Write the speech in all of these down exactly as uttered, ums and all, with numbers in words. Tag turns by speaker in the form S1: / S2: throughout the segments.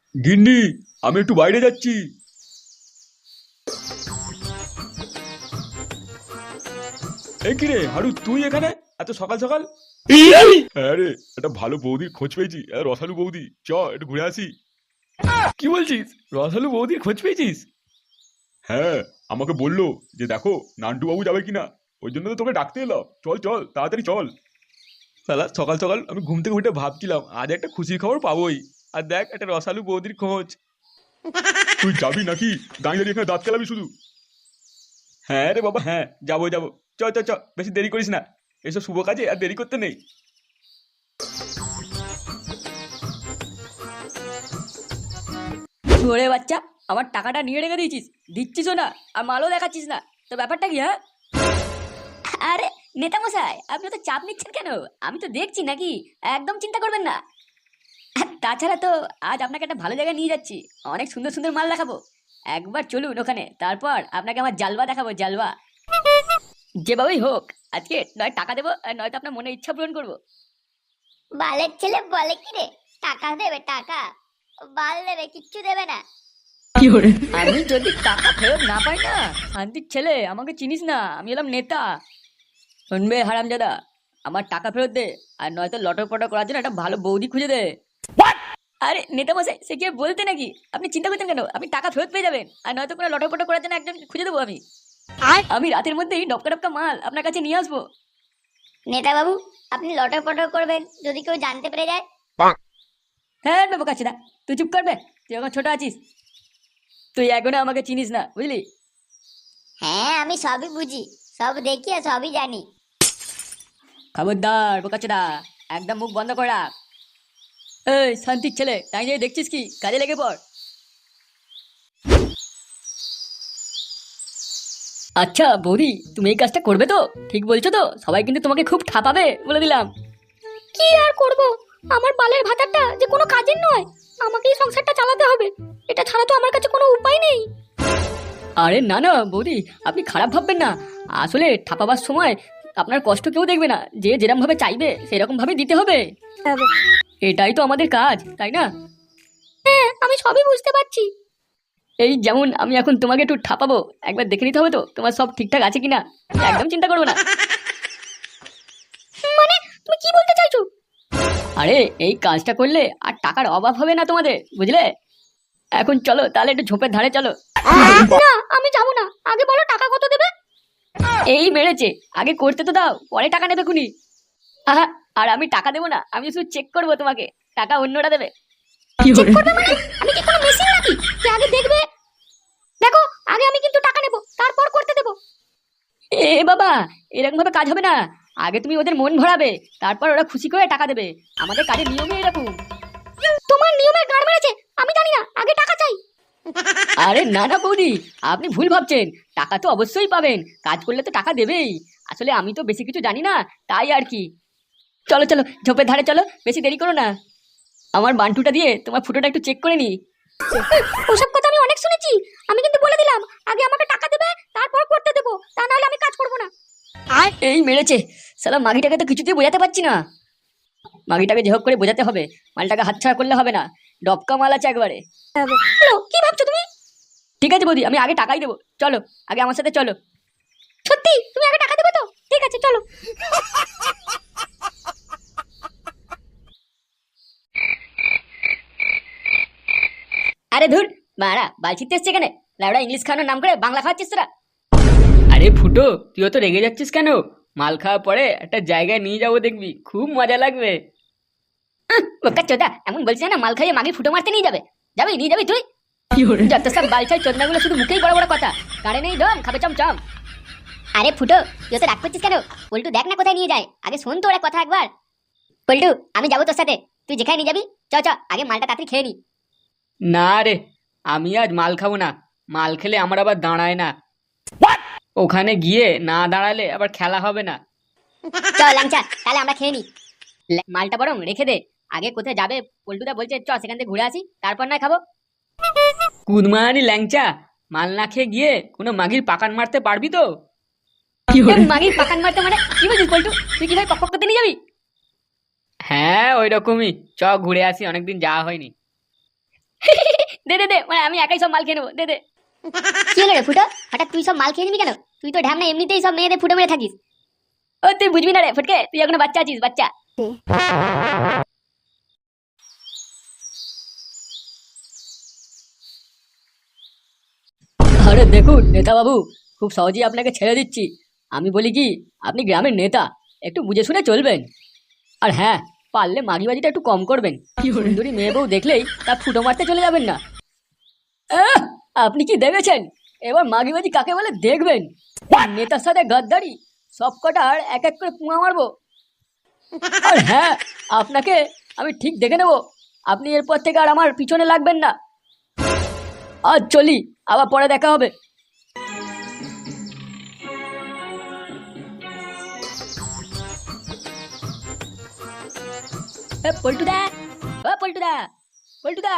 S1: গিন্নি, আমি একটু বাইরে যাচ্ছি। এই কি রে হারু, তুই এখানে এত সকাল সকাল? হ্যাঁ রে, একটা ভালো বৌদির খোঁজ পেয়েছি। আহ, রসালু বৌদি, চ একটু ঘুরে আসি। কি বলছিস? রসালু বৌদির খোঁজ পেয়েছিস? হ্যাঁ, আমাকে বললো যে দেখো নান্টু বাবু যাবে কিনা, ওই জন্য তো তোকে ডাকতে এলাম। চল চল, তাড়াতাড়ি চল। সালা সকাল সকাল আমি ঘুম থেকে উঠে ভাবছিলাম আজ একটা খুশির খবর পাবোই, আর দেখ একটা রসালু বৌদির খোঁজ। তুই যাবি নাকি? দাঁড়িয়ে দাঁড়িয়ে এখানে দাঁত কেলাবি শুধু? হ্যাঁ রে বাবা, হ্যাঁ যাবো যাবো। চ চ চ, বেশি দেরি করিস না, এসব শুভ কাজে আর দেরি করতে নেই।
S2: ওরে বাচ্চা, আমার টাকাটা নিয়ে রেখে দিয়েছিস, দিচ্ছিসও না, আর মালও দেখাচ্ছিস না, তো ব্যাপারটা কি? হ্যাঁ, আরে নেতা মশাই, আপনি তো চাপ নিচ্ছেন কেন? আমি তো দেখছি নাকি, একদম চিন্তা করবেন না। আর তাছাড়া তো আজ আপনাকে একটা ভালো জায়গায় নিয়ে যাচ্ছি, অনেক সুন্দর সুন্দর মাল দেখাবো। একবার চলুন ওখানে, তারপর আপনাকে আমার জালবা দেখাবো, জালবা। যেভাবেই হোক আজকে নয় টাকা দেবো, আর নয়তো আপনার মনে ইচ্ছা পূরণ করবো।
S3: বালের ছেলে বলে কি রে, টাকা দেবে টাকা? বাল দেবে, কিচ্ছু দেবে না।
S2: আমি যদি টাকা ফেরত না পাই না, শান্তির ছেলে, আমাকে চিনিস না, আমি এলাম নেতা। শুনবে হারামজাদা, আমার টাকা ফেরত দে, আর নয়তো লটর পটর করার জন্য একটা ভালো বৌদি খুঁজে দে। আরে নেতা মশাই, সে কি আর বলতে নাকি? আপনি চিন্তা করছেন কেন? আপনি টাকা ফেরত পেয়ে যাবেন, আর নয়তো কোনো লটর পটর করার জন্য একজন খুঁজে দেবো আমি। আমি রাতের মধ্যেই ডপকা ডপকা মাল আপনার কাছে নিয়ে আসবো।
S3: নেতা বাবু, আপনি লটর পটর করবেন যদি কেউ জানতে পেরে যায়?
S2: হ্যাঁ বাবু কাছে দা, তুই চুপ করবে, তুই এখন ছোট আছিস, তুই এখনো আমাকে চিনিস না, বুঝলি?
S3: হ্যাঁ, আমি সবই বুঝি, সব দেখি আর সবই জানি।
S2: খবরদার বোকাচোদা, একদম মুখ বন্ধ করে রাখ। এই শান্তির ছেলে, তাই যে দেখছিস কি, কাজে লেগে পড়। আচ্ছা বৌদি, তুমি এই কাজটা করবে তো? ঠিক বলছো তো? সবাই কিন্তু তোমাকে খুব ঠাপাবে, বলে দিলাম।
S3: কি আর করব, আমার বালের ভাতাটা যে কোনো কাজের নয়, আমাকেই সংসারটা চালাতে হবে, এটা ছাড়া তো আমার কাছে কোনো উপায় নেই।
S2: আরে না না বৌদি, আপনি খারাপ ভাববেন না। আসলে ঠাপাবার সময় আপনার কষ্ট কেউ দেখবে না, যে যেরকম ভাবে চাইবে সেরকম ভাবে দিতে হবে। এটাই তো আমাদের কাজ, তাই না?
S3: হ্যাঁ, আমি সবই বুঝতে পারছি।
S2: এই যেমন আমি এখন তোমাকে একটু ঠাপাবো, একবার দেখে নিতে হবে তো তোমার সব ঠিকঠাক আছে কিনা। একদম চিন্তা করবো না।
S3: মানে তুমি কি বলতে চাইছো?
S2: আরে এই কাজটা করলে আর টাকার অভাব হবে না তোমাদের, বুঝলে? এখন চলো তাহলে একটু ঝোপের ধারে চলো।
S3: না, আমি যাবো না, আগে বলো টাকা কত দেবে?
S2: এই মেরেছে, আগে করতে তো দাও, পরে টাকা নেবে খুনি। আহা, আর আমি টাকা দেবো না, আমি শুধু চেক করবো তোমাকে, টাকা অন্যরা দেবে।
S3: চেক করবে মানে? আমি কি কোনো মেশিন নাকি যে আগে দেখবে? দেখো, আগে আমি কিন্তু টাকা নেব, তারপর করতে দেবো।
S2: এ বাবা, এরকম ভাবে কাজ হবে না। আগে তুমি ওদের মন ভরাবে, তারপর ওরা খুশি করে টাকা দেবে। আমাদের কাজের নিয়মই এরকম।
S3: তোমার নিয়মে গাড় মেরেছে, আমি জানি না, আগে টাকা চাই।
S2: আরে না না বৌদি, আপনি ভুল ভাবছেন। টাকা তো অবশ্যই পাবেন, কাজ করলে তো টাকা দেবেই। আসলে আমি তো বেশি কিছু জানি না, তাই আর কি। চলো চলো ঝোপের ধারে চলো, বেশি দেরি করো না। আমার বান্টুটা দিয়ে তোমার ফুটোটা একটু চেক করে নি।
S3: ওসব কথা আমি অনেক শুনেছি, আমি কিন্তু বলে দিলাম আগে আমাকে টাকা দেবে, তারপর করতে দেবো, তা নাহলে আমি কাজ করবো না।
S2: এই মেরেছে, সালা মাগিটাকে তো কিছুতেই বোঝাতে পারছি না। মাগিটাকে যে হোক করে বোঝাতে হবে, মালটাকে হাতছাড়া করলে হবে না। ডবকা মাল আছে একবারে।
S3: হ্যালো, কি ভাবছো তুমি?
S2: ঠিক আছে বৌদি, আমি আগে টাকাই দেবো, চলো আগে আমার সাথে চলো।
S3: সত্যি তুমি আগে টাকা দেবে তো? ঠিক আছে, চলো।
S2: আরে ধুর, মারা বালছিতে এসছে এখানে, লাউডা ইংলিশ খাওয়ানোর নাম করে বাংলা খাওয়াচ্ছিস তোরা। আরে ফুটো, তুইও তো রেগে যাচ্ছিস কেন? মাল খাওয়ার পরে একটা জায়গায় নিয়ে যাবো, দেখবি খুব মজা লাগবে। ওকা চোদা, এমন বলছিস না মাল খাইয়ে মাগে ফুটো মারতে নিয়ে যাবে? যাবি, নিয়ে যাবি তুই? যত সব বালছাই চোদনাগুলো শুধু মুখেই বড় বড় কথা, কারে নেই দম, খাবে চমচম।
S3: আরে ফুটো, তুই তো রাগ করছিস কেন? পল্টু দেখ না কোথায় নিয়ে যায়, আগে শোন তো ওরা কথা একবার। পল্টু, আমি যাবো তোর সাথে, তুই যেখানে নিয়ে যাবি। চ চ, আগে মালটা তাড়াতাড়ি খেয়ে নি।
S2: না রে, আমি আজ মাল খাবো না। মাল খেলে আমার আবার দাঁড়ায় না। ওখানে গিয়ে না দাঁড়ালে আবার খেলা হবে না।
S3: চল ল্যাংচা, তাহলে আমরা খেয়ে নি।
S2: মালটা বরং রেখে দে, আগে কোথায় যাবে পল্টুদা বলছে, চ সেখান থেকে ঘুরে আসি, তারপর না খাবো। কুদমানি ল্যাংচা, মাল না খেয়ে গিয়ে কোনো মাগির পাকান মারতে পারবি তো? মাগির পাকান মারতে মানে কি বলছিস পল্টু? তুই কি ভাই পক পক করতে নিয়ে যাবি? হ্যাঁ ওই রকমই, চ ঘুরে আসি, অনেকদিন যাওয়া হয়নি। দে দে দে মানে আমি একাই সব মাল খেয়ে নেবো, দে দে।
S3: কি হলো রে ফুটো, হঠাৎ তুই সব মাল খেয়ে নিবি কেন? তুই তো ঢ্যামনা এমনিতেই সব মেয়েদের ফুটো মেরে থাকিস।
S2: ও তুই বুঝবি না রে ফটকে, তুই এখনো বাচ্চা আছিস, বাচ্চা। আরে দেখুন নেতা বাবু, খুব সহজেই আপনাকে ছেড়ে দিচ্ছি। আমি বলি কি, আপনি গ্রামের নেতা, একটু বুঝে শুনে চলবেন। আর হ্যাঁ, পারলে মাগিবাজিটা একটু কম করবেন। সুন্দরী মেয়ে বউ দেখলেই তার ফুটো মারতে চলে যাবেন না। আহ, আপনি কি দেখেছেন? এবার মাগিবাজি কাকে বলে দেখবেন। নেতার সাথে গাদ্দারি, সব কটার এক এক করে পুঙা মারবো। আর হ্যাঁ, আপনাকে আমি ঠিক দেখে নেব। আপনি এরপর থেকে আর আমার পিছনে লাগবেন না। আজ চলি, আবার পরে দেখা হবে। এ, পল্টুদা, ও পল্টুদা, পল্টুদা।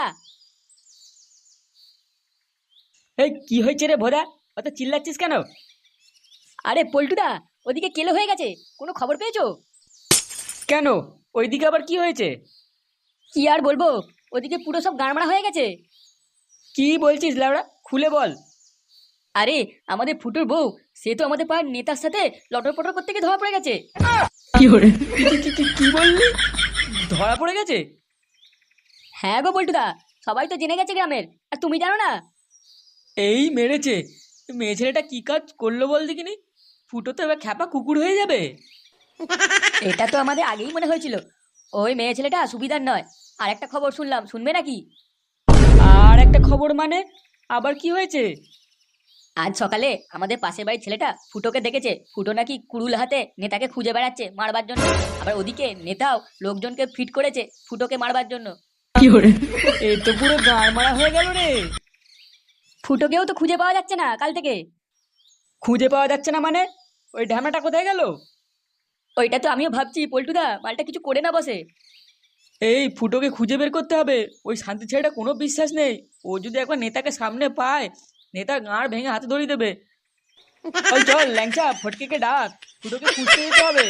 S2: এই কি হয়েছে রে ভোদা, অত চিল্লাচ্ছিস কেন? আরে পল্টুদা, ওদিকে কেলো হয়ে গেছে, কোনো খবর পেয়েছো? কেন, ওইদিকে আবার কি হয়েছে? কি আর বলবো, ওদিকে পুরো সব গাড়মাড়া হয়ে গেছে। কি বলছিস লাউড়া, খুলে বল। আরে আমাদের ফুটোর বউ, সে তো আমাদের পাড়ার নেতার সাথে লটর পটর করতে গিয়ে ধরা পড়ে গেছে। কি করে? কি বললি? ধরা পড়ে গেছে? হ্যাঁ গো পল্টুদা, সবাই তো জেনে গেছে গ্রামের, আর তুমি জানো না? এই মেরেছে, মেয়ে ছেলেটা কি কাজ করলো বল দেখিনি। ফুটো তো এবার খ্যাপা কুকুর হয়ে যাবে। এটা তো আমাদের আগেই মনে হয়েছিল, ওই মেয়ে ছেলেটা সুবিধার নয়। আর একটা খবর শুনলাম, শুনবে নাকি? আর একটা খবর মানে, আবার কি হয়েছে? আজ সকালে আমাদের পাশের বাড়ির ছেলেটা ফুটোকে দেখেছে, ফুটো নাকি কুড়ুল হাতে নেতাকে খুঁজে বেড়াচ্ছে মারবার জন্য। আবার ওদিকে নেতাও লোকজনকে ফিট করেছে ফুটোকে মারবার জন্য। কি করে? এ তো পুরো গাড় মারা হয়ে গেল রে। ফুটোকেও তো খুঁজে পাওয়া যাচ্ছে না কাল থেকে। খুঁজে পাওয়া যাচ্ছে না মানে? ওই ঢ্যামনাটা কোথায় গেল? ওইটা তো আমিও ভাবছি পল্টুদা, মালটা কিছু করে না বসে। এই ফুটোকে খুঁজে বের করতে হবে। ওই শান্তি ছেলেটা কোনো বিশ্বাস নেই, ও যদি একবার নেতাকে সামনে পায়, নেতার গাঁড় ভেঙে হাতে ধরিয়ে দেবে। চল চল ল্যাংচা, ফটকেকে ডাক, ফুটোকে খুঁজতে যেতে হবে।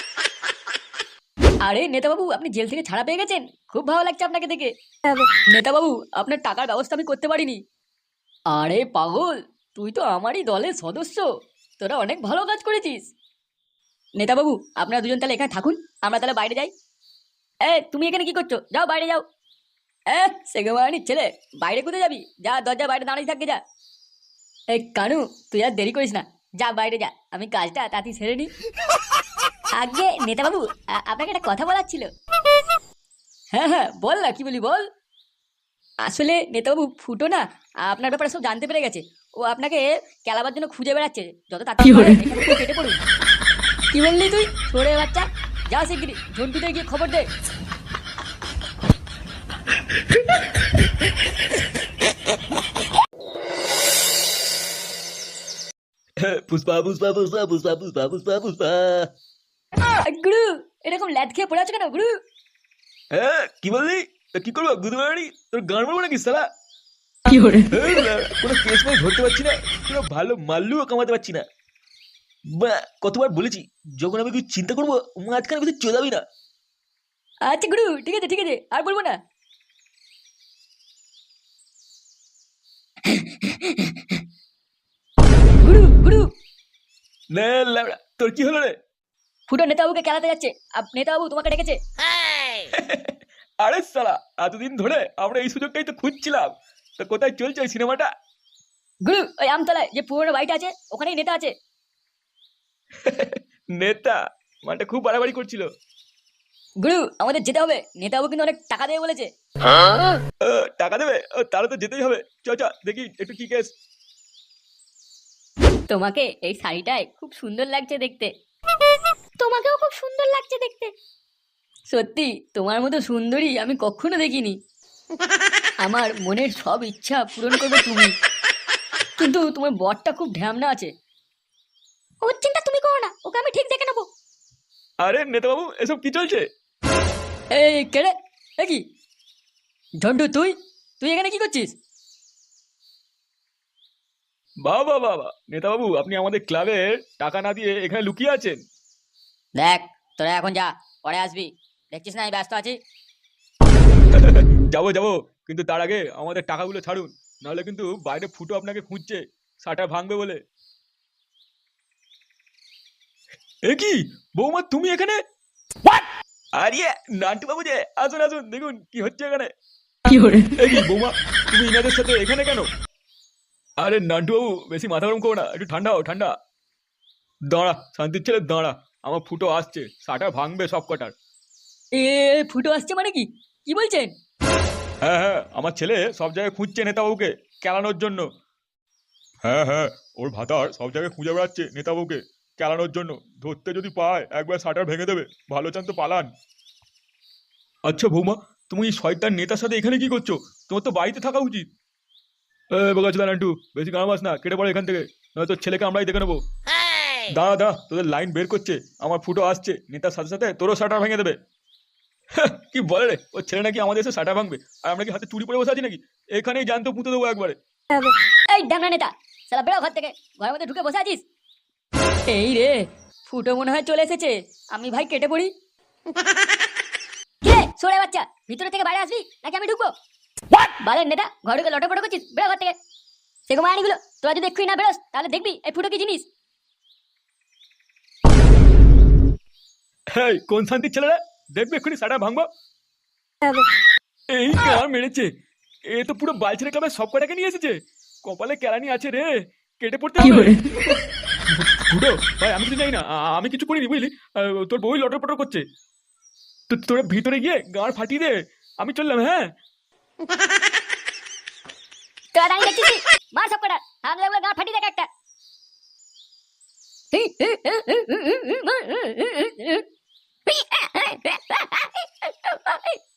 S2: আরে নেতাবাবু, আপনি জেল থেকে ছাড়া পেয়ে গেছেন, খুব ভালো লাগছে আপনাকে দেখে। নেতাবাবু, আপনার টাকার ব্যবস্থা আমি করতে পারিনি। আরে পাগল, তুই তো আমারই দলের সদস্য, তোরা অনেক ভালো কাজ করেছিস। নেতাবাবু, আপনারা দুজন তাহলে এখানে থাকুন, আমরা তাহলে বাইরে যাই। এ তুমি এখানে কি করছো? যাও বাইরে যাও। এ সেগমানির ছেলে, বাইরে কোথায় যাবি? যা, দরজা বাইরে দাঁড়িয়ে থাকবে যা। এই কানু, তুই আর দেরি করিস না, যা বাইরে যা, আমি কাজটা তাড়াতাড়ি সেরে নি। আগে নেতাবাবু, আ- আপনাকে একটা কথা বলার ছিল। হ্যাঁ হ্যাঁ বল না, কি বলি বল। আসলে নেতাবাবু, ফুটো না আপনার ব্যাপারে সব জানতে পেরে গেছে। ও আপনাকে কেলাবার জন্য খুঁজে বেড়াচ্ছে, যত তাড়াতাড়ি পারে এখান থেকে কেটে পড়ুন। কি বললি তুই ছোড়ে বাচ্চা? যা শিগগিরি ঝন্টুতে গিয়ে খবর দে।
S1: পুষ্পা পুষ্পা পুষ্পা পুষ্পা পুষ্পা পুষ্পা পুষ্পা।
S2: আই, গুরু, এরকম ল্যাদ খেয়ে পড়ে আছো কেন গুরু?
S1: হ্যাঁ কি বললি? তা কি করবো গুদমানি, তোর গান মারবো নাকি সালা? কি করে? কোনো কেস মাই ধরতে পারছি না, কোনো ভালো মাল্লুও কামাতে পারছি না। বা কতবার বলেছি, যখন আমি কিছু চিন্তা করবো মাঝখানে কিছু চলাবি না।
S2: আচ্ছা গুরু, ঠিক আছে ঠিক আছে, আর বলবো না। গুরু গুরু,
S1: না ল্যাবড়া, তোর কি হলো রে?
S2: ফুটো নেতাবাবুকে খেলাতে যাচ্ছে, আপ- নেতাবাবু তোমাকে ডেকেছে।
S1: আরে সালা, এতদিন ধরে আমরা এই সুযোগটাই তো খুঁজছিলাম, তো কোথায় চলছে ওই সিনেমাটা?
S2: গুরু, ওই আমতলায় যে পুরোনো বাড়িটা আছে, ওখানেই নেতা আছে।
S1: নেতা মানটা খুব বাড়াবাড়ি করছিল।
S2: গুরু, আমাদের যেতে হবে, নেতাবাবু কিন্তু অনেক টাকা দেবে বলেছে।
S1: ও, টাকা দেবে? ও, তাহলে তো যেতেই হবে। চ চ দেখি একটু কি কেস।
S2: তোমাকে এই শাড়িটায় খুব সুন্দর লাগছে দেখতে।
S3: তোমাকেও খুব সুন্দর লাগছে দেখতে।
S2: সত্যি তোমার মতো সুন্দরী আমি কখনো দেখিনি। আমার মনের সব ইচ্ছা পূরণ করবে তুমি, কিন্তু তোমার বরটা খুব ঢ্যামনা আছে।
S3: ওর চিন্তা তুমি করো না, ওকে আমি ঠিক দেখে নেবো।
S1: আরে নেতাবাবু, এসব কি চলছে?
S2: এই কেড়ে, এ কি ঝন্টু, তুই তুই এখানে কি করছিস?
S1: বাবা বাবা, নেতাবাবু আপনি আমাদের ক্লাবের টাকা না দিয়ে এখানে লুকিয়ে আছেন।
S2: দেখ, তোরা এখন যা, পরে আসবি, দেখছিস না আমি ব্যস্ত আছি।
S1: যাবো যাবো, কিন্তু তার আগে আমাদের টাকাগুলো ছাড়ুন, নাহলে কিন্তু বাইরে ফুটো আপনাকে খুঁজছে শাটার ভাঙবে বলে। এ কি বৌমা, তুমি এখানে? আরে নান্টু বাবু যে, আসুন আসুন, দেখুন কি হচ্ছে এখানে। এ কি বৌমা, তুমি ইনাদের সাথে এখানে কেন? আরে নান্টু বাবু, বেশি মাথা গরম করো না, একটু ঠান্ডা হও ঠান্ডা। দাঁড়া শান্তির ছেলে দাঁড়া, আমার ফুটো আসছে, শাটার ভাঙবে সব কটার।
S2: এ ফুটো আসছে মানে কি কি বলছেন?
S1: হ্যাঁ হ্যাঁ, আমার ছেলে সব জায়গায় খুঁজছে নেতাবাবুকে কেলানোর জন্য। হ্যাঁ হ্যাঁ, ওর ভাতার সব জায়গায় খুঁজে বেড়াচ্ছে নেতাবাবুকে কেলানোর জন্য। ধরতে যদি পায় একবার শাটার ভেঙে দেবে, ভালো চান তো পালান। আচ্ছা বৌমা, তুমি এই শয়তান নেতার সাথে এখানে কি করছো? তোমার তো বাড়িতে থাকা উচিত। এ বোকাচোদা নান্টু, বেশি গামাস না, কেটে পড়ে এখান থেকে, নয়তো ছেলেকে আমরাই দেখে নেবো। দাঁড়া দাঁড়া, তোদের লাইন বের করছে, আমার ফুটো আসছে, নেতার সাথে সাথে তোরও শাটার ভেঙে দেবে। কি বলে রে, ও ছেলে নাকি আমাদের এসে শাটার ভাঙবে, আর আমরা কি হাতে চুরি পরে বসে আছি নাকি? এখানেই জানতো পুঁতে দেবো একবারে।
S2: এই ড্যামনা নেতা, সালা বেরো ঘর থেকে, ঘরের মধ্যে ঢুকে বসে আছিস। এই রে, ফুটো মনে হয় চলে এসেছে, আমি ভাই কেটে পড়ি। কে সরে বাচ্চা, ভিতরে থেকে বাইরে আসবি নাকি আমি ঢুকবো? বালের নেতা, ঘরে ঢুকে লটর পটর করছিস, বেরো ঘর থেকে। সেগো মারানিগুলো, তোরা যদি এক্ষুনি না বেরোস তাহলে দেখবি এই ফুটো কি জিনিস।
S1: এই কোন শান্তির ছেলেরা, দেখবে এক্ষুনি শাটার ভাঙবো। এই কার মেরেছে, এ তো পুরো বালছেড়ে ক্লাবের সব কটাকে নিয়ে এসেছে। কপালে কেলানি আছে রে, কেটে পড়তে হবে। ফুটো ভাই, আমি কিছু জানি না, আ- আমি কিছু করিনি বুঝলি, আহ, তোর বই লটর পটর করছে। তো তোরা ভিতরে গিয়ে গাঁড় ফাটিয়ে দে, আমি চললাম। হ্যাঁ
S2: তোরা দাঁড়িয়ে দেখছিস কি? মার সব কটা, হামলা গা ফাটি দেখ একটা।